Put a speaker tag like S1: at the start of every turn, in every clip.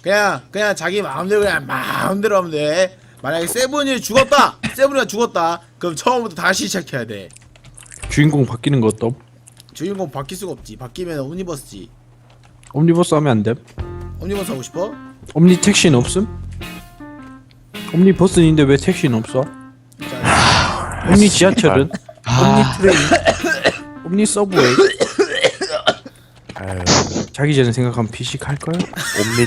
S1: 그냥 자기 마음대로 그냥 마음대로 하면 돼. 만약에 세븐이 죽었다, 세븐이가 죽었다, 그럼 처음부터 다시 시작해야 돼.
S2: 주인공 바뀌는 것도
S1: 주인공 바뀔 수가 없지. 바뀌면 옴니버스지.
S2: 옴니버스 하면 안 돼?
S1: 옴니버스 하고 싶어?
S2: 옴니 택시는 없음? 옴니버스는 있는데 왜 택시는 없어?
S1: 자,
S2: 옴니 지하철은? 옴니 트레인? 옴니 서브웨이?
S3: 아유,
S2: 자기 전에 생각하면 피식 할 거야?
S3: 옴니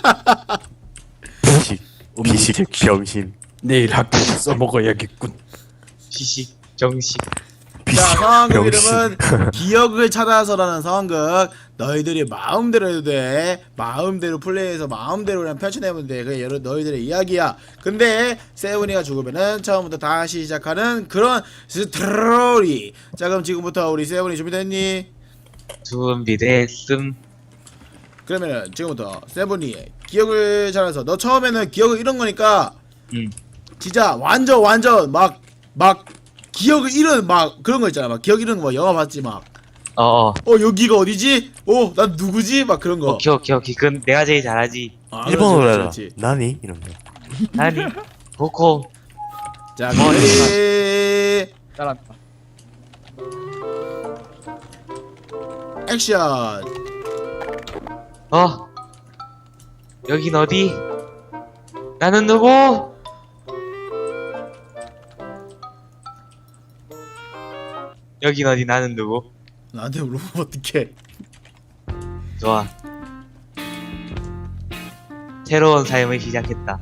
S3: 비식
S2: 택시.
S3: 병신
S2: 내일 학교에서 써먹어야겠군.
S4: 피식 정식.
S1: 자, 상황극
S3: 병신.
S1: 이름은 기억을 찾아서라는 상황극. 너희들이 마음대로 해도 돼. 마음대로 플레이해서 마음대로 그냥 펼쳐내면 돼. 그게 너희들의 이야기야. 근데 세븐이가 죽으면은 처음부터 다시 시작하는 그런 스토리. 자, 그럼 지금부터 우리 세븐이 준비됐니?
S4: 준비됐음.
S1: 그러면은 지금부터 세븐이 기억을 찾아서, 너 처음에는 기억을 잃은 거니까 진짜 완전 막 기억을 잃은 막 그런 거 있잖아. 막 기억 잃은 거 막 영화 봤지 막. 여기가 어디지? 난 누구지? 막 그런 거.
S4: 오케이. 그건 내가 제일 잘하지.
S1: 아,
S3: 일본어로
S1: 그렇지,
S3: 해라.
S1: 그렇지.
S3: 나니 이런 거.
S4: 아니, 보코.
S1: 자, 레디
S5: 잘한다.
S1: 액션.
S4: 여긴 어디? 나는 누구? 여긴 어디? 나는 누구?
S1: 나한테 물어보면 어떡해.
S4: 좋아. 새로운 삶을 시작했다.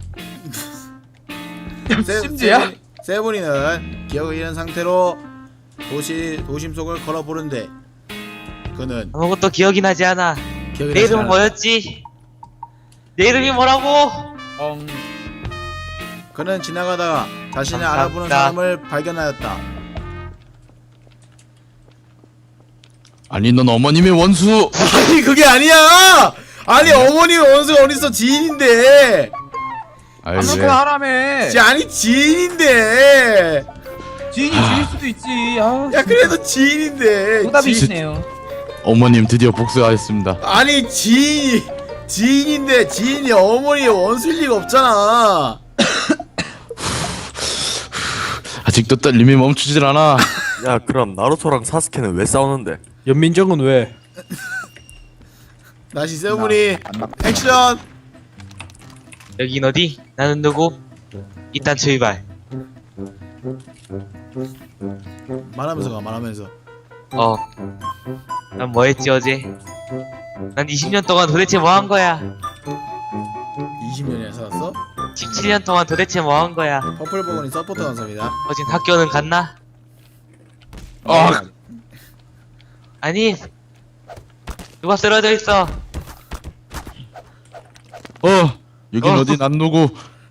S5: 심지야?
S1: 세븐이는 기억을 잃은 상태로 도심 속을 걸어보는데 그는
S4: 아무것도 기억이 나지 않아.
S1: 기억이
S4: 내
S1: 나지
S4: 이름은
S1: 않아.
S4: 뭐였지? 내 이름이 뭐라고?
S1: 그는 지나가다가 자신을
S4: 감사합니다.
S1: 알아보는 사람을 발견하였다.
S6: 아니 넌 어머님의 원수.
S1: 아니 그게 아니야. 아니 어머니 원수가 어딨어. 지인인데.
S6: 아이
S5: 아무렇게
S6: 왜?
S5: 하라며.
S1: 아니 지인인데.
S5: 지인이 지일 수도 있지. 아,
S1: 야 그래도 지인인데.
S5: 정답이시네요.
S6: 어머님 드디어 복수하였습니다.
S1: 아니 지인인데 지인이 어머니의 원수일 리가 없잖아.
S6: 아직도 떨림이 멈추질 않아.
S3: 야 그럼 나루토랑 사스케는 왜 싸우는데?
S2: 연민정은 왜?
S1: 다시 세븐이 액션.
S4: 여긴 어디? 나는 누구? 일단 출발.
S1: 말하면서 가. 말하면서.
S4: 난 뭐 했지 어제? 난 20년 동안 도대체 뭐 한 거야?
S1: 20년이나 살았어?
S4: 17년 동안 도대체 뭐 한 거야?
S1: 퍼플버거니 서포터 감사합니다.
S4: 어젠 학교는 갔나? 아니, 누가 쓰러져 있어?
S6: 여긴 어디 난 누구?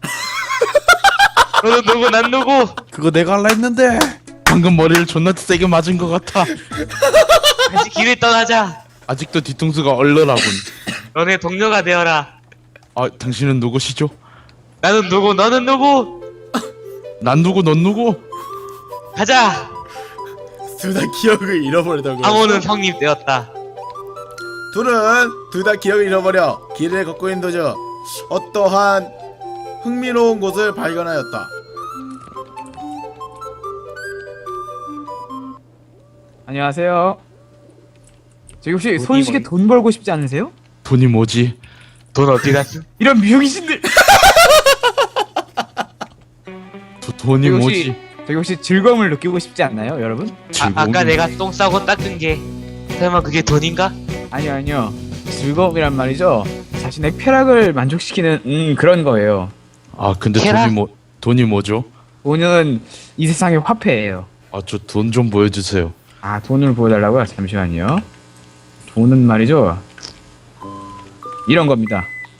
S4: 너는 누구? 난 누구?
S2: 그거 내가 할라 했는데.
S6: 방금 머리를 존나 세게 맞은 것 같아.
S4: 다시 길을 떠나자.
S6: 아직도 뒤통수가 얼얼하군.
S4: 너네 동료가 되어라.
S6: 당신은 누구시죠?
S4: 나는 누구? 너는 누구?
S6: 난 누구 넌 누구?
S4: 가자.
S1: 둘 다 기억을 잃어버리다고.
S4: 상호는 성립 되었다.
S1: 둘 다 기억을 잃어버려 길을 걷고 있는 도중 어떠한 흥미로운 곳을 발견하였다.
S5: 안녕하세요. 저기 혹시
S4: 돈이
S5: 손쉽게
S4: 뭐니?
S5: 돈 벌고 싶지 않으세요?
S6: 돈이 뭐지?
S4: 돈 어디 갔어?
S5: 이런 미용이신들.
S6: 돈이
S5: 저기
S6: 뭐지?
S5: 저기 혹시 즐거움을 느끼고 싶지 않나요, 여러분?
S4: 아까 내가 똥 싸고 닦은 게 설마 그게 돈인가?
S5: 아니요. 즐거움이란 말이죠. 자신의 쾌락을 만족시키는 그런 거예요.
S6: 근데
S4: 캐라?
S6: 돈이 뭐죠?
S5: 돈은 이 세상의 화폐예요.
S6: 저 돈 좀 보여주세요.
S5: 돈을 보여달라고요? 잠시만요. 돈은 말이죠. 이런 겁니다.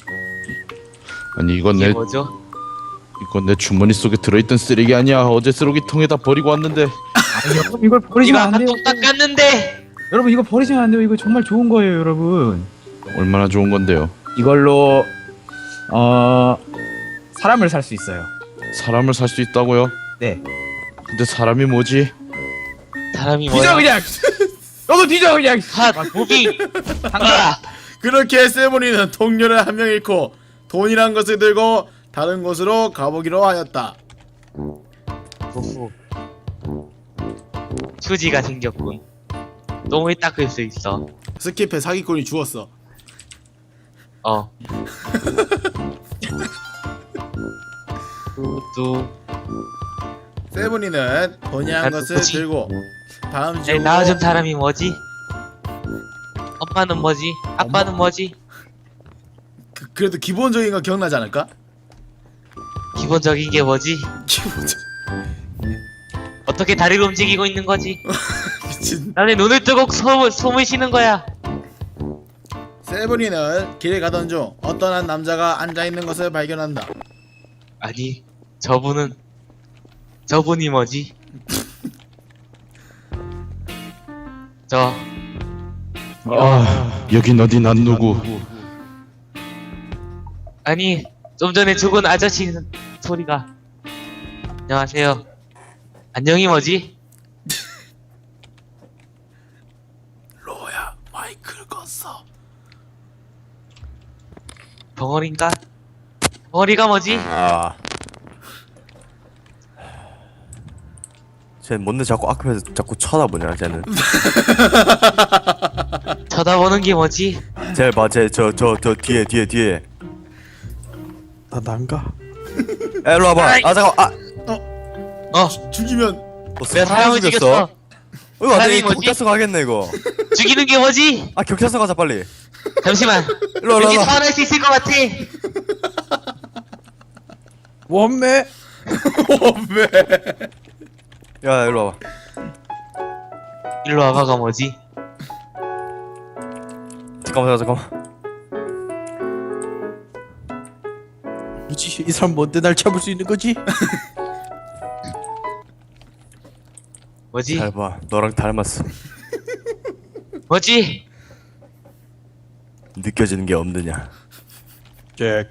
S6: 아니
S4: 이게 뭐죠?
S6: 이건 내 주머니 속에 들어있던 쓰레기 아니야. 어제 쓰레기통에다 버리고 왔는데.
S5: 여러분 이걸 버리시면
S4: 이거
S5: 안
S4: 아까
S5: 돼요.
S4: 똥 닦았는데.
S5: 여러분 이거 버리시면 안 돼요. 이거 정말 좋은 거예요, 여러분.
S6: 얼마나 좋은 건데요?
S5: 이걸로 사람을 살 수 있어요.
S6: 사람을 살 수 있다고요?
S5: 네.
S6: 근데 사람이 뭐지?
S4: 사람이
S5: 뒤져
S4: 뭐야?
S5: 그냥. 너도 뒤져 그냥.
S4: 핫 무빙.
S5: 당장.
S1: 그렇게 세븐이는 동료를 한 명 잃고 돈이란 것을 들고 다른 곳으로 가보기로 하였다.
S4: 오호. 휴지가 생겼군. 똥을 닦을 수 있어.
S1: 스킵해. 사기꾼이 죽었어.
S4: 어. 뚜뚜.
S1: 세븐이는 돈이란
S4: 아,
S1: 것을
S4: 뭐지?
S1: 들고 다음
S4: 날
S1: 지역으로
S4: 낳아준 사람이 뭐지? 엄마는 뭐지? 아빠는 뭐지?
S1: 그래도 기본적인 거 기억나지 않을까?
S4: 기본적인 게 뭐지?
S1: 기본적
S4: 어떻게 다리를 움직이고 있는 거지?
S1: 미친.
S4: 나는 눈을 뜨고 숨을 쉬는 거야.
S1: 세븐이는 길을 가던 중 어떤 한 남자가 앉아있는 것을 발견한다.
S4: 아니, 저분이 뭐지?
S6: 여긴 어디 난 누구?
S4: 아니, 좀 전에 죽은 아저씨 소리가. 안녕하세요. 안녕이 뭐지?
S1: 로야 마이크를 껐어.
S4: 벙어리인가? 벙어리가 뭐지?
S3: 아. 쟤 뭔데 자꾸 앞에서 자꾸 쳐다보냐 쟤는.
S4: 쳐다보는 게 뭐지?
S3: 쟤 봐, 쟤저 뒤에.
S2: 나 난가?
S3: 야, 일로 와봐. 아 잠깐.
S1: 죽이면
S4: 내가 사람을 죽였어.
S3: 이거 안돼.
S4: 사람이 뭐지?
S3: 경찰서 가겠네 이거.
S4: 죽이는 게 뭐지?
S3: 아 경찰서 가자 빨리.
S4: 잠시만.
S3: 일로
S4: 왠지
S3: 와.
S4: 소환할 수 있을 것 같아.
S2: 원매.
S3: 야 일로 와봐.
S4: 일로 와봐가 뭐지?
S3: 잠깐만.
S2: 뭐지? 이 사람 뭔데 날 잡을 수 있는 거지?
S4: 뭐지?
S3: 잘 봐. 너랑 닮았어.
S4: 뭐지?
S3: 느껴지는 게 없느냐.
S2: 잭.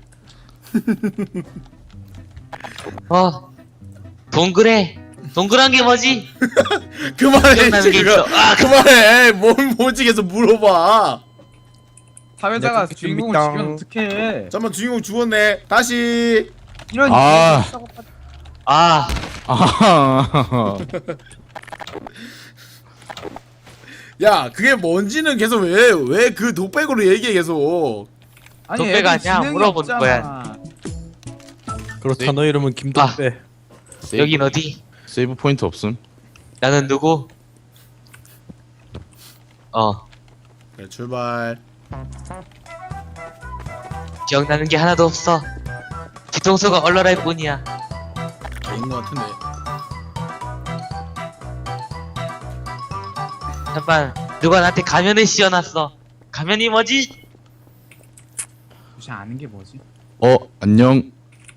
S4: 동그래. 동그란 게 뭐지?
S1: 그만해.
S4: 기억나는 게
S1: 지금.
S4: 있어.
S1: 그만해. 뭐지 계속 물어봐.
S5: 사회자가
S2: 야, 그
S5: 주인공을
S2: 밑당.
S5: 죽이면 어떡해.
S1: 잠깐만 주인공 죽었네. 다시.
S5: 이런
S6: 아.
S4: 아,
S6: 아.
S1: 야 그게 뭔지는 계속 왜 그 독백으로 얘기해 계속.
S5: 아니,
S4: 독배가
S5: 애들
S4: 아니야.
S5: 지능이
S4: 물어보는
S5: 없잖아.
S2: 그렇다 너 이름은 김덕배.
S4: 여긴 어디?
S6: 세이브 포인트 없음?
S4: 나는 누구?
S1: 그래 출발.
S4: 기억나는 게 하나도 없어. 뒤통수가 얼얼할 뿐이야.
S1: 아닌 것 같은데.
S4: 잠깐, 누가 나한테 가면을 씌워놨어. 가면이 뭐지?
S5: 혹시 아는 게 뭐지?
S6: 안녕.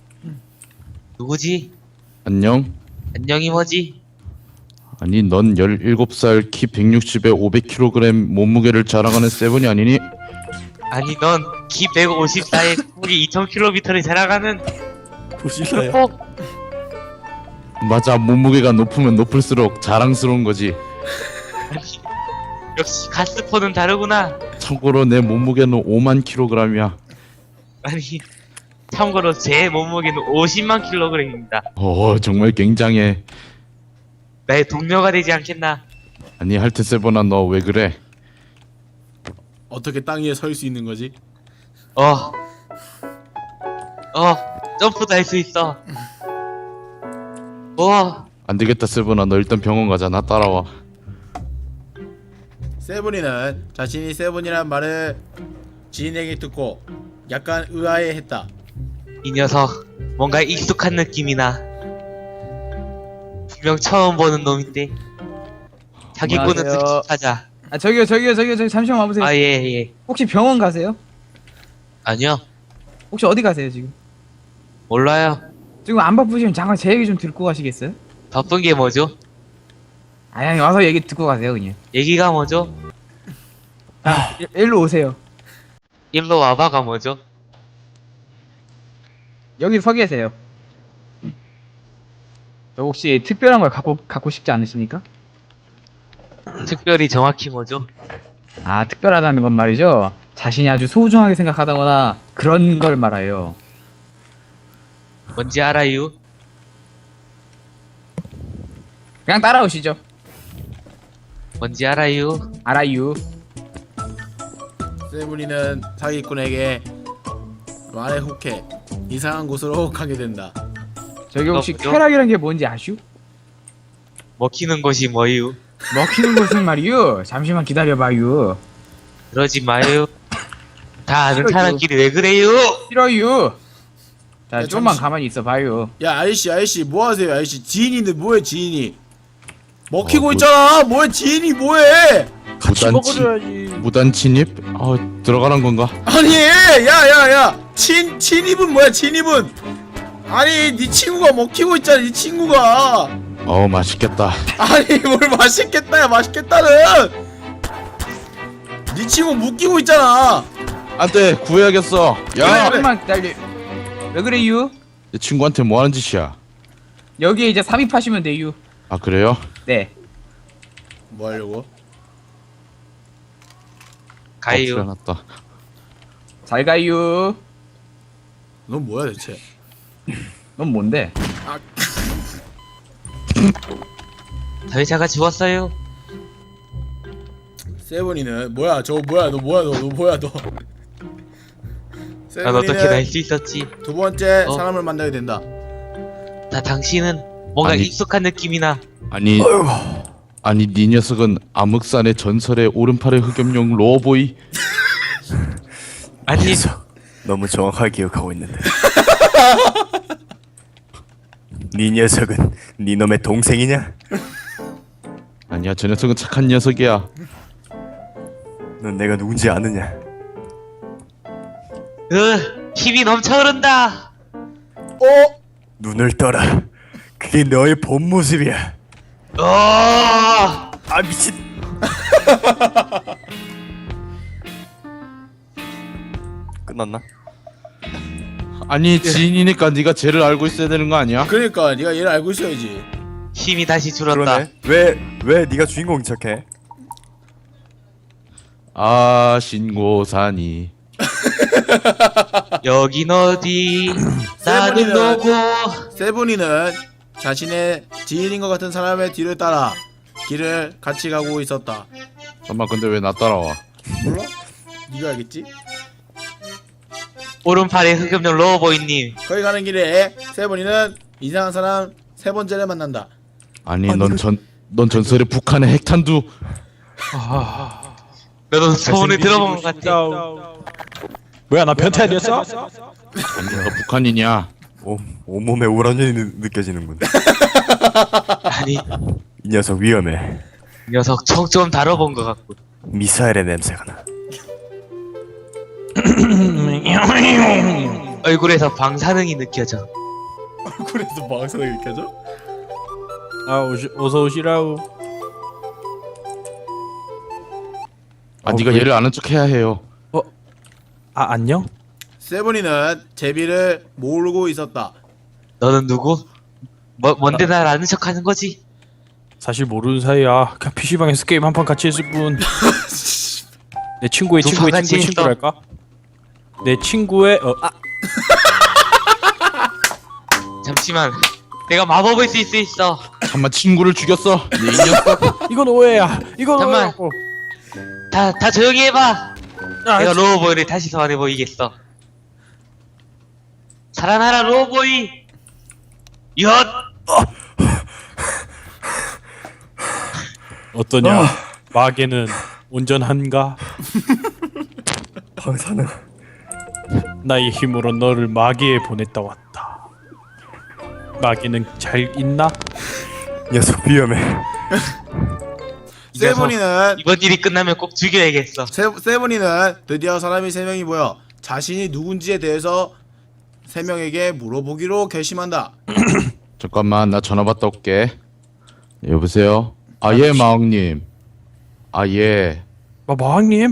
S4: 누구지?
S6: 안녕.
S4: 안녕이 뭐지?
S6: 아니 넌 17살 키 160에 500kg 몸무게를 자랑하는 세븐이 아니니?
S4: 아니 넌 키 154에 폭이 2000km를 자랑하는
S2: 부실라야.
S4: 폭.
S6: 맞아, 몸무게가 높으면 높을수록 자랑스러운 거지.
S4: 아니, 역시 가스포는 다르구나.
S6: 참고로 내 몸무게는 5만 kg이야.
S4: 아니, 참고로 제 몸무게는 50만 kg입니다.
S6: 정말 굉장해.
S4: 나의 동료가 되지 않겠나?
S6: 아니 할트 세븐아, 너 왜 그래?
S1: 어떻게 땅 위에 설 수 있는 거지?
S4: 점프도 할 수 있어.
S6: 안 되겠다 세븐아, 너 일단 병원 가자. 나 따라와.
S1: 세븐이는 자신이 세븐이란 말을 지인에게 듣고 약간 의아해했다.
S4: 이 녀석 뭔가 익숙한 느낌이나. 분명 처음 보는 놈인데. 사기꾼은
S5: 안녕하세요.
S4: 특히 하자.
S5: 아, 저기요, 잠시만 와보세요.
S4: 아, 예.
S5: 혹시 병원 가세요?
S4: 아니요,
S5: 혹시 어디 가세요, 지금?
S4: 몰라요.
S5: 지금 안 바쁘시면 잠깐 제 얘기 좀 듣고 가시겠어요?
S4: 바쁜 게 뭐죠?
S5: 아니, 와서 얘기 듣고 가세요, 그냥.
S4: 얘기가 뭐죠?
S5: 일로 오세요.
S4: 일로 와봐가 뭐죠?
S5: 여기 서 계세요. 저 혹시 특별한 걸 갖고 싶지 않으십니까?
S4: 특별히 정확히 뭐죠?
S5: 아, 특별하다는 건 말이죠. 자신이 아주 소중하게 생각하다거나 그런 걸 말해요.
S4: 뭔지 알아요?
S5: 그냥 따라오시죠.
S4: 뭔지 알아요?
S5: 알아요.
S1: 세븐이는 사기꾼에게 말에 혹해 이상한 곳으로 가게 된다.
S5: 저기 혹시
S4: 뭐죠?
S5: 쾌락이란 게 뭔지 아슈?
S4: 먹히는 것이 뭐유?
S5: 먹히는 것은 말이요. 잠시만 기다려봐요.
S4: 그러지 마요. 다 아는
S5: 싫어요.
S4: 사람끼리 왜 그래요?
S5: 싫어요. 자,
S1: 야,
S5: 좀만
S1: 잠시-
S5: 가만히 있어봐요.
S1: 야 아이씨 뭐하세요 아이씨. 지인인데 뭐해 지인이. 먹히고
S6: 뭐-
S1: 있잖아. 뭐해 지인이 뭐해.
S6: 무단 침입? 들어가란 건가?
S1: 아니 야야야 친입은 뭐야 친입은. 아니 네 친구가 먹히고 있잖아 네 친구가.
S6: 맛있겠다.
S1: 아니 뭘 맛있겠다야 맛있겠다는. 네 친구 묶이고 있잖아.
S6: 안돼 구해야겠어. 야,
S5: 조금만 기다려. 왜 그래요?
S6: 내 친구한테 뭐 하는 짓이야?
S5: 여기에 이제 삽입하시면 돼요.
S6: 아 그래요?
S5: 네.
S1: 뭐 하려고?
S4: 가요.
S6: 났다.
S5: 잘 가요.
S1: 넌 뭐야 대체?
S5: 넌 뭔데?
S4: 사회자가 죽었어요.
S1: 세븐이는 뭐야 저 뭐야 너 뭐야 너 뭐야 너.
S4: 난 어떻게 날
S1: 세븐이는
S4: 수 있었지?
S1: 두 번째
S4: 어?
S1: 사람을 만나게 된다.
S4: 나 당신은 뭔가
S6: 아니.
S4: 익숙한 느낌이나.
S6: 아니 네 녀석은 암흑산의 전설의 오른팔의 흑염룡 로보이.
S4: 아니
S3: 너무 정확하게 기억하고 있는데. 네 녀석은 네 놈의 동생이냐?
S6: 아니야 저 녀석은 착한 녀석이야.
S3: 넌 내가 누군지 아느냐?
S4: 힘이 넘쳐 흐른다.
S3: 눈을 떠라. 그게 너의 본 모습이야. 아 미친. 끝났나?
S6: 아니 지인이니까 네가 쟤를 알고 있어야 되는 거 아니야?
S1: 그러니까 네가 얘를 알고 있어야지.
S4: 힘이 다시 줄었다.
S3: 그러네. 왜 네가 주인공인 척해?
S6: 신고산이
S4: 여긴 어디? 나는
S1: 세븐이는-
S4: 누구?
S1: 세븐이는 자신의 지인인 것 같은 사람의 뒤를 따라 길을 같이 가고 있었다.
S6: 잠깐만 근데 왜 나 따라와?
S1: 몰라? 네가 알겠지?
S4: 오른팔에 흑염룡 로보이님.
S1: 거기 가는 길에 세븐이는 이상한 사람 세 번째를 만난다.
S6: 아니 넌 전설의 북한의 핵탄두.
S4: 너도 소문을 들어본 것 같아.
S2: 뭐야 나 변태 아니었어?
S6: 아니 너가 북한이냐?
S3: 온몸에 우라늄이 느껴지는군.
S4: 아니
S3: 이 녀석 위험해.
S4: 이 녀석 청 좀 다뤄본 것 같고.
S3: 미사일의 냄새가 나.
S4: 얼굴에서 방사능이 느껴져.
S1: 그래서 망상이 느껴져?
S2: 어서 오시라우.
S6: 네가 얘를 아는 척 해야 해요.
S2: 안녕?
S1: 세븐이는 제비를 모르고 있었다.
S4: 너는 누구? 뭔데 날 아는 척하는 거지?
S2: 사실 모르는 사이야. 그냥 PC방에서 게임 한 판 같이 했을 뿐. 내 친구의
S4: 두
S2: 친구의
S4: 판 같이
S2: 친구의
S4: 했어.
S2: 친구랄까? 내 친구의
S4: 잠시만. 내가 마법을 쓸 수 있어.
S6: 잠만 친구를 죽였어. 네, 이 녀석.
S2: 이건 오해야. 이건
S4: 잠깐만.
S2: 오해라고.
S4: 다 조용히 해봐.
S2: 야,
S4: 내가 로보이를 다시 소환해 보이겠어. 살아나라 로보이. 엿.
S2: 어떠냐? 마계는 온전한가?
S3: 방사능.
S2: 나의 힘으로 너를 마계에 보냈다 왔다. 마계는 잘 있나?
S3: 녀석 위험해.
S4: 이 녀석,
S1: 세븐이는
S4: 이번 일이 끝나면 꼭 죽여야겠어.
S1: 세븐이는 드디어 사람이 세 명이 모여 자신이 누군지에 대해서 세 명에게 물어보기로 결심한다.
S6: 잠깐만 나 전화 받다 올게. 여보세요? 예 마왕님. 예.
S2: 마왕님?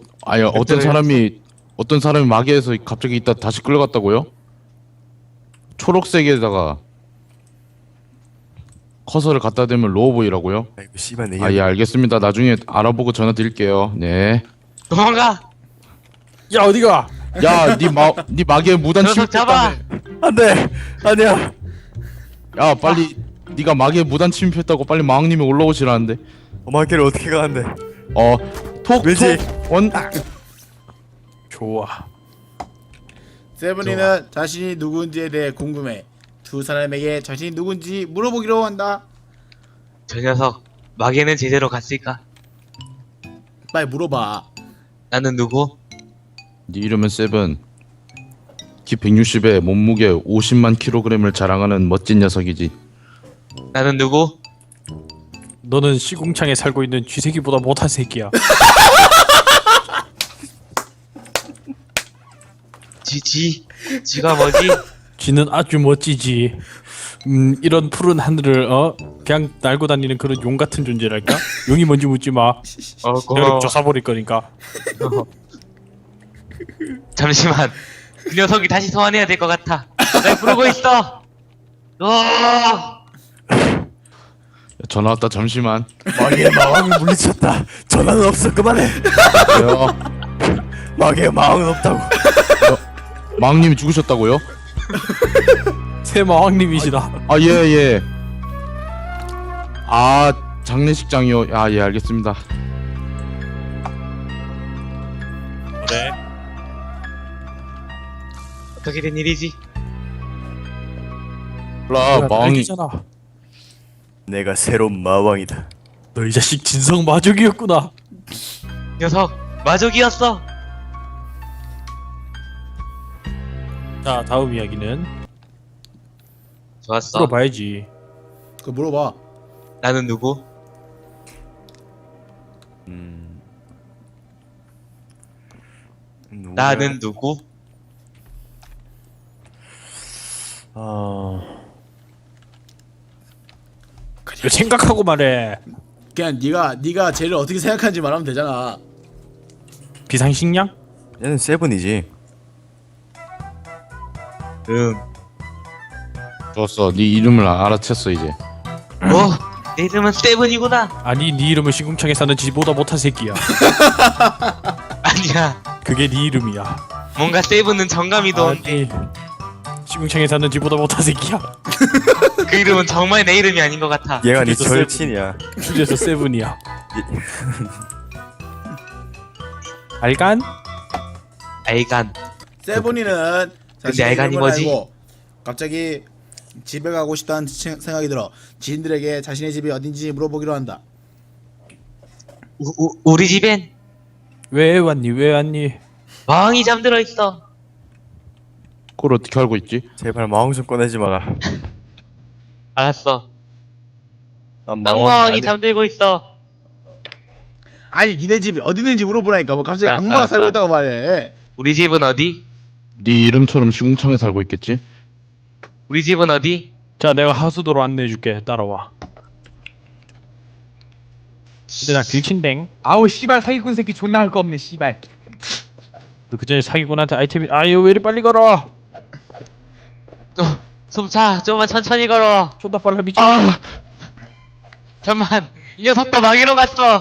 S6: 어떤 사람이 마계에서 갑자기 있다 다시 끌려갔다고요? 초록색에다가 커서를 갖다 대면 로우보이라고요?
S3: 아이고 씨발 내
S6: 예 알겠습니다. 나중에 알아보고 전화 드릴게요. 네.
S4: 도망가.
S2: 야 어디가?
S6: 야네 마계에 무단
S4: 녀석 잡아!
S6: 침입했다며.
S3: 안돼 아니야.
S6: 야 빨리 네가 마계에 무단 침입했다고 빨리 마왕님이 올라오시라는데.
S3: 마계를 어떻게 가는데?
S6: 톡톡 원.
S2: 좋아.
S1: 세븐이는 자신이 누군지에 대해 궁금해. 두 사람에게 자신이 누군지 물어보기로 한다.
S4: 저 녀석 마계는 제대로 갔을까?
S1: 빨리 물어봐.
S4: 나는 누구?
S6: 네 이름은 세븐. 키 160에 몸무게 50만 킬로그램을 자랑하는 멋진 녀석이지.
S4: 나는 누구?
S2: 너는 시궁창에 살고 있는 쥐새끼보다 못한 새끼야.
S4: 쥐가 뭐지?
S2: 쥐는 아주 멋지지. 이런 푸른 하늘을 그냥 날고 다니는 그런 용 같은 존재랄까? 용이 뭔지 묻지 마. 내가
S4: 고마워.
S2: 조사버릴 거니까.
S4: 잠시만. 그 녀석이 다시 소환해야 될 것 같아. 날 부르고 있어.
S6: 전화 왔다 잠시만.
S3: 마계의 마왕이 물리쳤다. 전화는 없어 그만해.
S6: 야,
S3: 마계의 마왕은 없다고.
S6: 마왕님이 죽으셨다고요?
S2: 새 마왕님이시다.
S6: 아 예. 아 장례식장이요. 아 예 알겠습니다.
S2: 그래.
S4: 어떻게 된 일이지?
S6: 마왕이
S2: 잖아.
S3: 내가 새로운 마왕이다.
S2: 너 이 자식 진성 마족이었구나.
S4: 녀석 마족이었어.
S2: 자 다음 이야기는
S4: 좋았어.
S2: 물어봐야지.
S1: 그거 물어봐.
S4: 나는 누구?
S3: 누구야?
S4: 나는 누구?
S2: 이거 생각하고 말해.
S1: 그냥 네가 쟤를 어떻게 생각하는지 말하면 되잖아.
S2: 비상식량?
S3: 얘는 세븐이지.
S4: 응.
S6: 좋았어. 네 이름을 알아챘어 이제.
S4: 내 이름은 세븐이구나.
S2: 아니 네 이름은 시궁창에 사는 쥐보다 못한 새끼야.
S4: 아니야.
S2: 그게 네 이름이야.
S4: 뭔가 세븐은 정감이 도는데
S2: 아니 시궁창에 사는 쥐보다 못한 새끼야.
S4: 그 이름은 정말 내 이름이 아닌 것 같아.
S3: 얘가 네
S2: 그래서
S3: 절친이야.
S2: 주제에서 세븐이야. 알간?
S4: 알간.
S1: 세븐이는 자신의
S4: 알간이
S1: 이름을
S4: 뭐지?
S1: 알고 갑자기 집에 가고 싶다는 생각이 들어 지인들에게 자신의 집이 어딘지 물어보기로 한다.
S4: 우리 집엔
S2: 왜 왔니?
S4: 마왕이 잠들어 있어.
S6: 그걸 어떻게 알고 있지?
S3: 제발 마왕 좀 꺼내지 마라.
S4: 알았어.
S3: 난
S4: 악마왕이
S3: 아니-
S4: 잠들고 있어.
S1: 아니 니네 집이 어디 있는지 물어보라니까 뭐 갑자기
S4: 아,
S1: 악마가
S4: 아,
S1: 살고
S4: 아.
S1: 있다고 말해.
S4: 우리 집은 어디?
S6: 네 이름처럼 시궁창에 살고 있겠지?
S4: 우리 집은 어디?
S2: 자 내가 하수도로 안내해줄게. 따라와. 근데 나 길친댕.
S5: 아우 씨발 사기꾼 새끼 존나 할 거 없네 씨발.
S2: 너 그전에 사기꾼한테 아이템이 아유 왜 이리 빨리 걸어.
S4: 숨차. 좀만 천천히 걸어.
S2: 존나 빨라 미친.
S4: 잠만. 이 녀석도 마기로 갔어.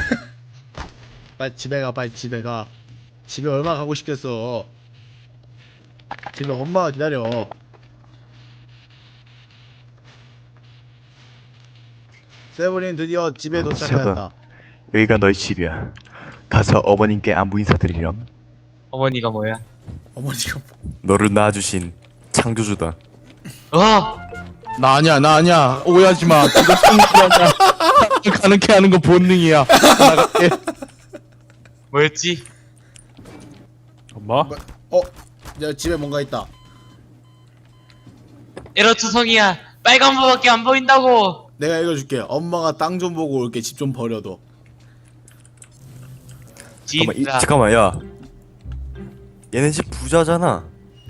S1: 빨리 집에 가. 빨리 집에 가. 집에 얼마나 가고 싶겠어. 집에 엄마가 기다려. 세븐이 드디어 집에 도착하였다.
S3: 여기가 너희 집이야. 가서 어머님께 안부 인사드리렴.
S4: 어머니가 뭐야?
S1: 어머니가
S3: 너를 낳아주신 창조주다.
S6: 나 아니야. 오해하지 마. 그거 성질이야. 가능케 하는 거 본능이야. 나갈게.
S4: 뭐였지?
S2: 엄마?
S1: 야 집에 뭔가 있다.
S4: 에러투성이야. 빨간 부밖에 안 보인다고.
S1: 내가 읽어줄게. 엄마가 땅 좀 보고 올게. 집 좀 버려도.
S4: 진짜.
S3: 잠깐만 야. 얘네 집 부자잖아.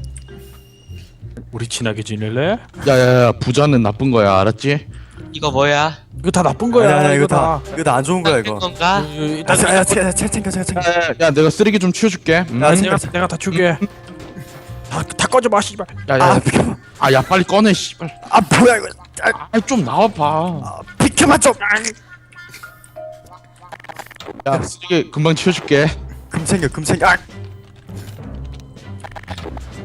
S2: 우리 친하게 지낼래?
S6: 야야야 부자는 나쁜 거야 알았지?
S4: 이거 뭐야?
S2: 이거 다 나쁜 거야.
S3: 아니야,
S2: 이거 다.
S3: 이거 다 안 좋은 거야
S4: 나쁜
S3: 이거.
S4: 건가?
S3: 야, 챙겨.
S6: 야 내가 쓰레기 좀 치워줄게.
S3: 야,
S2: 내가 다 줄게. 다 꺼져 마 씨발.
S6: 야야 야 빨리 꺼내 씨발.
S3: 뭐야 이거.
S6: 좀 나와봐.
S3: 비켜봐 좀.
S6: 야 쓰레기 금방 치워줄게.
S3: 금 챙겨.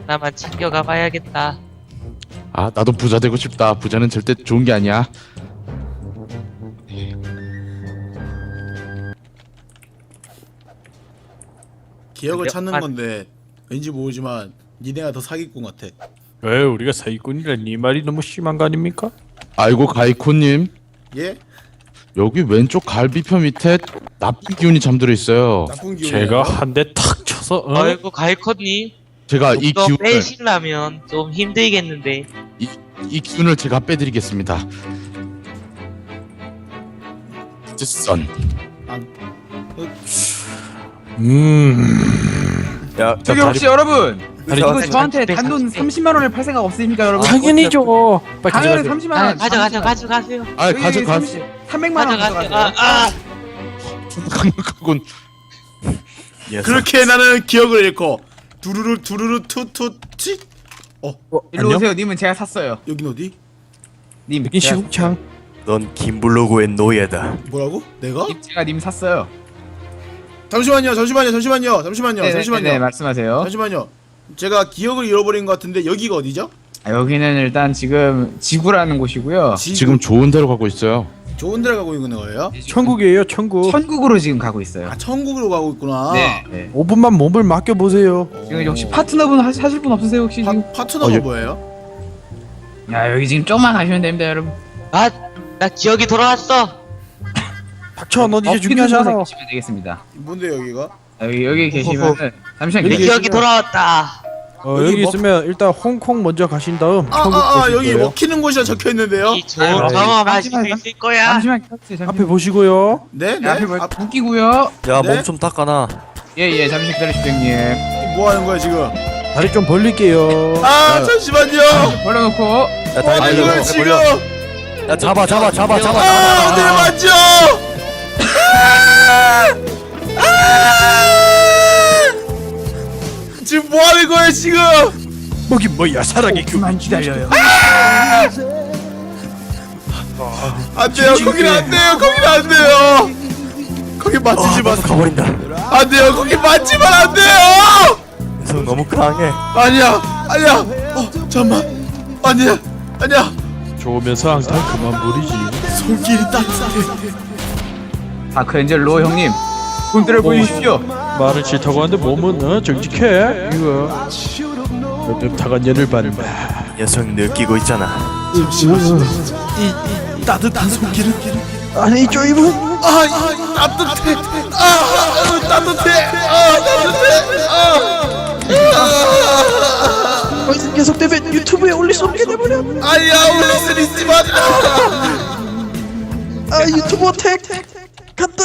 S4: 하나만 챙겨가 봐야겠다.
S6: 아 나도 부자 되고 싶다. 부자는 절대 좋은 게 아니야.
S1: 기억을
S4: 근데-
S1: 찾는
S4: 아-
S1: 건데 왠지 모르지만 니네가 더 사기꾼 같아.
S2: 왜 우리가 사기꾼이라 네 말이 너무 심한 거 아닙니까?
S6: 아이고 가이코님,
S1: 예?
S6: 여기 왼쪽 갈비뼈 밑에 나쁜 기운이 잠들어 있어요.
S1: 나쁜 기운.
S2: 제가 한 대 탁 쳐서
S4: 아이고 가이컷님,
S6: 제가 이
S4: 또
S6: 기운을
S4: 빼시려면 좀 힘들겠는데.
S6: 이 기운을 제가 빼드리겠습니다. 선.
S3: 야,
S5: 저기 혹시 여러분
S2: 아니,
S5: 이거
S4: 아니,
S5: 저한테
S4: 아니,
S5: 단돈
S4: 아니,
S5: 30만 원을 팔 생각 없습니까 여러분?
S2: 당연히죠. 빨리
S5: 당연히
S2: 가져가세요.
S5: 30만
S4: 아,
S5: 원.
S4: 가져가세요.
S6: 아 가져가.
S5: 300만 원
S4: 가져가세요.
S5: 가져가세요.
S6: 강력하군.
S1: 그렇게 나는 기억을 잃고 두루루 두루루 투투치.
S5: 일로 오세요. 님은 제가 샀어요.
S1: 여긴 어디?
S5: 님,
S2: 여긴
S5: 제가
S2: 시궁창.
S3: 넌 김블로그의 노예다.
S1: 뭐라고? 내가?
S5: 제가 님 샀어요.
S1: 잠시만요.
S5: 네,
S1: 잠시만요.
S5: 말씀하세요.
S1: 잠시만요. 제가 기억을 잃어버린 것 같은데 여기가 어디죠?
S5: 아, 여기는 일단 지금 지구라는 곳이고요.
S6: 지금 좋은 데로 가고 있어요.
S1: 좋은 데를 가고 있는 거예요?
S2: 천국이에요, 천국.
S5: 천국으로 지금 가고 있어요.
S1: 아 천국으로 가고 있구나.
S5: 네.
S2: 5분만 몸을 맡겨 보세요.
S5: 지금 혹시 파트너분 하실 분 없으세요 혹시 지금?
S1: 파트너가
S6: 예.
S1: 뭐예요?
S5: 야 여기 지금 좀만 가시면 됩니다 여러분.
S4: 아, 나 기억이 돌아왔어.
S2: 닥쳐, 넌 이제
S5: 어깨
S2: 중요하잖아.
S5: 들어서 계시면 되겠습니다.
S1: 뭔데 여기가?
S5: 여기 계시면은 잠시만
S4: 내
S2: 여기
S5: 기다려.
S4: 기억이 돌아왔다.
S1: 여기
S2: 여기
S1: 뭐-
S2: 있으면 일단 홍콩 먼저 가신 다음 천국 보실
S1: 여기
S2: 거예요.
S1: 먹히는 곳이라 적혀 있는데요.
S4: 이 좋은
S5: 아,
S4: 경험하실 수
S5: 잠시만요.
S4: 있을 거야.
S5: 잠시만 기다려주세요. 잠시만.
S2: 앞에 보시고요.
S1: 네, 네.
S5: 앞에 뭐
S1: 아,
S5: 웃기고요.
S3: 야,
S1: 네?
S3: 몸 좀 닦아놔.
S5: 예예 잠시 기다려주세요 형님.
S1: 뭐 하는 거야 지금?
S2: 다리 좀 벌릴게요.
S1: 아 잠시만요.
S5: 벌려놓고
S3: 야,
S1: 뭐
S3: 다리
S1: 하는
S3: 벌려.
S1: 거야 지금?
S3: 벌려. 야, 잡아.
S1: 아, 내 맞죠? 지금 뭐 하는 거야 지금?
S2: 뭐긴 뭐야, 사랑의 교.
S5: 그만 기다려요.
S1: 안 돼요. 거기는 안 돼요. 거기는 안 돼요. 거기 맞추지 마.
S3: 가버린다.
S1: 안 돼요. 거기 맞지만 안 돼요.
S3: 녀석 너무 강해.
S1: 아니야. 잠만. 아니야.
S2: 좋으면서 항상 그만 부리지.
S1: 손길이 따뜻해.
S5: 다크엔젤로 형님 꿈들을 보여주십시오.
S2: 말은 싫다고 하는데 몸은 정직해. 이거 엽타간 년을 받는다.
S3: 녀석 느끼고 있잖아.
S1: 이 따뜻한 손길은
S2: 아니 쪼이분.
S1: 따뜻해.
S2: 이 녀석 때문에 유튜브에 올릴 수 없게 돼버려.
S1: 아니야 올릴 수 있지만
S2: 유튜브 택 간다.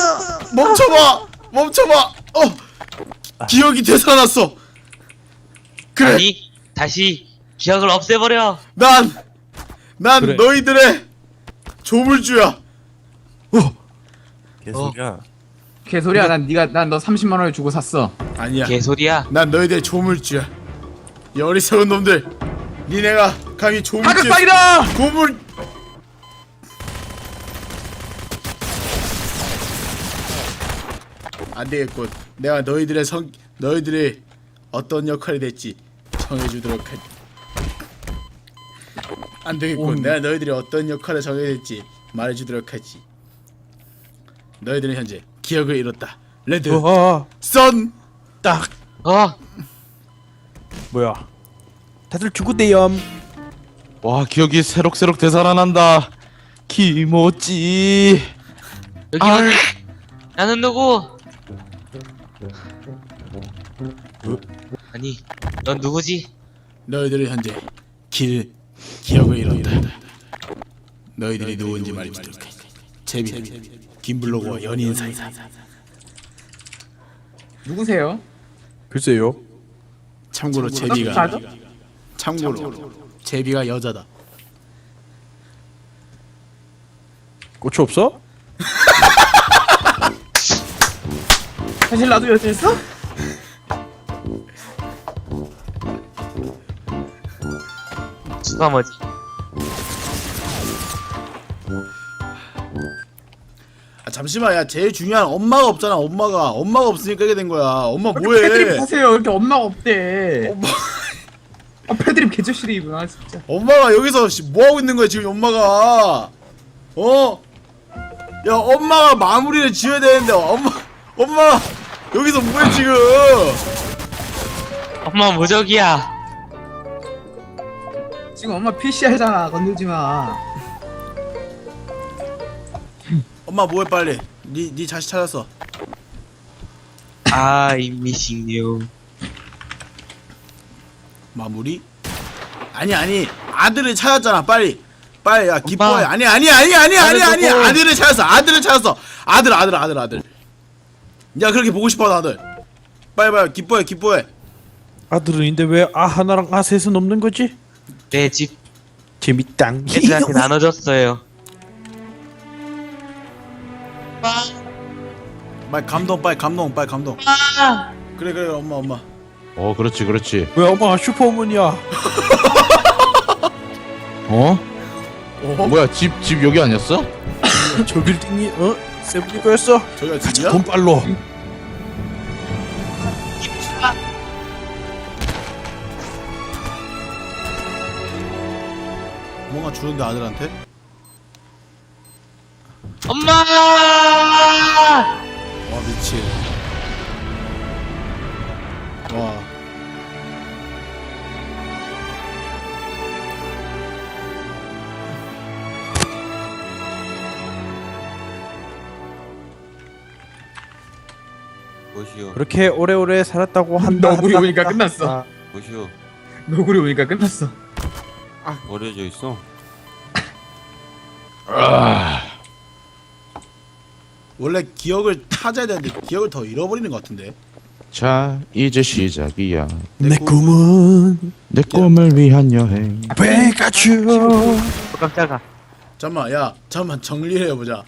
S1: 멈춰봐. 기억이 되살아났어. 그래.
S4: 아니, 다시 기억을 없애버려.
S1: 난
S2: 그래.
S1: 너희들의 조물주야.
S3: 개소리야.
S5: 개소리야. 난 너 30만 원을 주고 샀어.
S1: 아니야.
S4: 개소리야.
S1: 난 너희들의 조물주야. 이 어리석은 놈들. 니네가 감히 조물주.
S5: 하극방이다.
S1: 조물. 안 되겠군. 내가 너희들이 어떤 역할이 될지 정해주도록 하지. 안 되겠군. 내가 너희들이 어떤 역할을 정해야 될지 말해주도록 하지. 너희들은 현재 기억을 잃었다. 레드, 선.
S2: 딱
S4: 어,
S2: 뭐야? 다들 죽었대염.
S6: 와 기억이 새록새록 되살아난다. 기모찌.
S4: 여기 어디? 나는 누구? 아니, 넌 누구지?
S1: 너희들은 현재 기억을 잃었다. 너희들이 누군지 말해주도록 하지. 제비, 김블로그와 연인 사이다.
S5: 누구세요?
S2: 글쎄요.
S1: 참고로 제비가 여자다.
S2: 고추 없어?
S5: 사실 나도 여자였어?
S4: 누가 뭐지?
S1: 잠시만, 야, 제일 중요한 엄마가 없잖아. 엄마가 없으니까 이게 된 거야. 엄마
S5: 애들이
S1: 뭐해?
S5: 보세요. 이렇게 엄마가 없대. 애들이 개조실이구나 진짜.
S1: 엄마가 여기서 뭐 하고 있는 거야 지금 엄마가? 어? 야 엄마가 마무리를 지어야 되는데 엄마 여기서 뭐해 지금?
S4: 엄마 무적이야.
S5: 지금 엄마 PCR잖아. 건들지 마.
S1: 엄마 뭐해 빨리? 네 자식 찾았어.
S4: I'm missing you.
S1: 마무리? 아니 아들을 찾았잖아 빨리 야 기뻐해.
S4: 엄마.
S1: 아니
S4: 누구?
S1: 아들을 찾았어 아들. 야 그렇게 보고 싶어 아들. 빨리 기뻐해.
S2: 아들은인데 왜 아 하나랑 아 셋은 없는 거지?
S4: 내 집
S2: 재밌당.
S4: 애들한테 나눠줬어요.
S1: 빨리 감동. 그래 엄마.
S6: 그렇지.
S2: 왜 엄마 슈퍼우먼이야?
S6: 어? 뭐야 집 여기 아니었어?
S2: 저 빌딩이 세븐이 거였어?
S1: 저기가
S2: 가자
S1: 집이야?
S2: 돈 빨로.
S1: 뭔가 주는데 아들한테?
S4: 엄마!
S1: 와 미친. 와.
S7: 뭐시오?
S2: 그렇게 오래오래 살았다고 한다.
S5: 너구리 오니까 끝났어.
S7: 뭐시오?
S5: 너구리 오니까 끝났어.
S7: 버려져 있어?
S1: 원래 기억을 찾아야 되는데 기억을 더 잃어버리는 것 같은데.
S6: 자 이제 시작이야.
S2: 내 꿈은
S6: 내 꿈을 위한 여행.
S2: 배가주.
S4: 깜짝아.
S1: 잠깐만 정리를 해보자.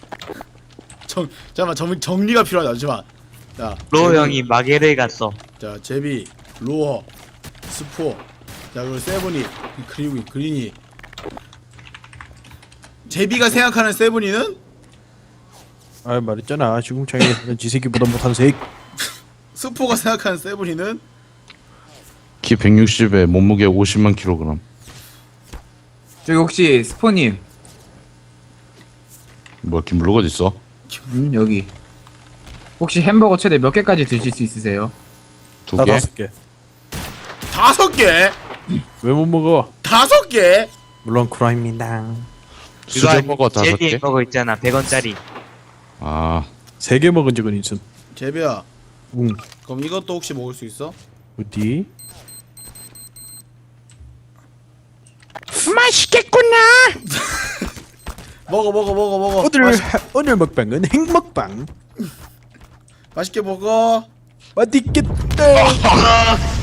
S1: 정리가 필요하다. 잠시만. 자
S4: 로
S1: 제비,
S4: 형이 마게를 갔어.
S1: 자 제비, 로어, 스포, 자 그리고 세븐이, 그리고 그린이. 제비가 생각하는 세븐이는
S2: 아 말했잖아 지궁창에 지새끼보다 못한 색.
S1: 스포가 생각하는 세븐이는
S6: 키 160에 몸무게 50만 킬로그램.
S5: 저기 혹시 스포님.
S6: 뭐야 김블록 어디 있어?
S5: 여기. 혹시 햄버거 최대 몇 개까지 드실 수 있으세요?
S6: 2개?
S2: 5개.
S1: 5개?
S2: 왜 못 먹어?
S1: 5개?
S2: 물론 쿠라입니다.
S6: 수제버거 5개?
S4: 제비 햄버거 있잖아. 100원짜리.
S6: 아
S2: 3개 먹은 적은 있음.
S1: 제비야.
S2: 응.
S1: 그럼 이것도 혹시 먹을 수 있어?
S2: 어디?
S1: 먹어.
S2: 오늘 먹방은 행먹방.
S1: 맛있게 먹어.
S2: 맛있겠다.